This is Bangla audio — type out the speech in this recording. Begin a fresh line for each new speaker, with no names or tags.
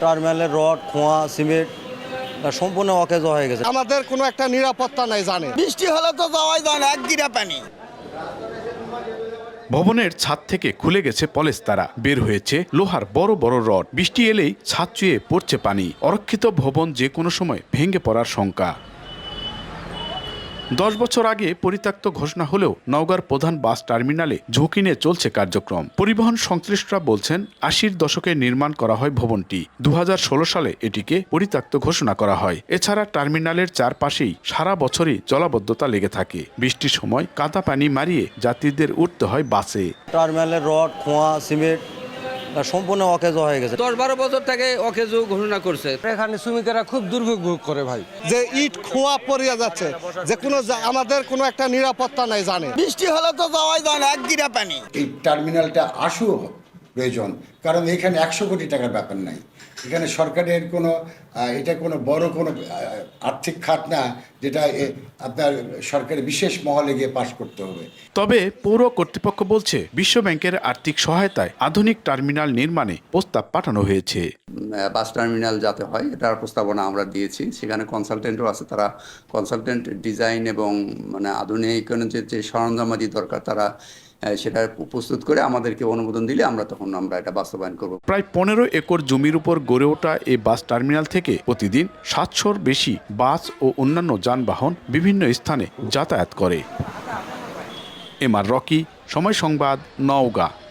টার্মিনালের রড, খোয়া, সিমেন্ট সম্পূর্ণ অকেজ হয়ে গেছে।
আমাদের কোনো একটা নিরাপত্তা নাই জানে।
বৃষ্টি হলে তো যাওয়াই যায় না, এক গিরা পানি।
ভবনের ছাদ থেকে খুলে গেছে পলেস্তারা, বের হয়েছে লোহার বড় বড় রড। বৃষ্টি এলেই ছাদ চুয়ে পড়ছে পানি। অরক্ষিত ভবন যে কোনো সময় ভেঙে পড়ার শঙ্কা। 10 বছর আগে পরিত্যক্ত ঘোষণা হলেও নওগাঁর প্রধান বাস টার্মিনালে ঝুঁকি নিয়ে চলছে কার্যক্রম। পরিবহন সংশ্লিষ্টরা বলছেন 80-র দশকে নির্মাণ করা হয় ভবনটি। 2016 সালে এটিকে পরিত্যক্ত ঘোষণা করা হয়। এছাড়া টার্মিনালের চারপাশেই সারা বছরই জলাবদ্ধতা লেগে থাকে। বৃষ্টির সময় কাদা পানি মারিয়ে যাত্রীদের উঠতে হয় বাসে।
টার্মিনালের রড, খোয়া, সিমেন্ট সম্পূর্ণ অকেজ হয়ে গেছে।
10-12 বছর থেকে অকেজো ঘোষণা করছে।
এখানে শ্রমিকেরা খুব দুর্ভোগ ভোগ করে ভাই।
যে ইট খোয়া পড়িয়া যাচ্ছে, যে কোনো আমাদের কোনো একটা নিরাপত্তা নাই জানে।
বৃষ্টি হলে তো যাওয়াই যায় না, এক গিরা পানি।
এই টার্মিনালটা আসুও প্রয়োজন, কারণ এখানে 100 কোটি টাকার ব্যাপার নাই। এখানে সরকারের এটা কোনো বড় কোনো আর্থিক খাত না, যেটা আপনার সরকারের বিশেষ মহলে গিয়ে পাশ করতে হবে।
তবে পৌর কর্তৃপক্ষ বলছে বিশ্ব ব্যাংকের আর্থিক সহায়তায় আধুনিক টার্মিনাল নির্মাণে প্রস্তাব পাঠানো হয়েছে।
বাস টার্মিনাল যাতে হয় এটার প্রস্তাবনা আমরা দিয়েছি। সেখানে কনসালটেন্টও আছে, তারা কনসালটেন্ট ডিজাইন এবং আধুনিকায়নের যে সরঞ্জামাদি দরকার তারা সেটা প্রস্তুত করে আমাদেরকে অনুমোদন দিলে আমরা এটা বাস্তবায়ন করব।
প্রায় 15 একর জমির উপর গড়ে ওঠা এই বাস টার্মিনাল থেকে প্রতিদিন 700-র বেশি বাস ও অন্যান্য যানবাহন বিভিন্ন স্থানে যাতায়াত করে। এমআর রকি, সময় সংবাদ, নওগাঁ।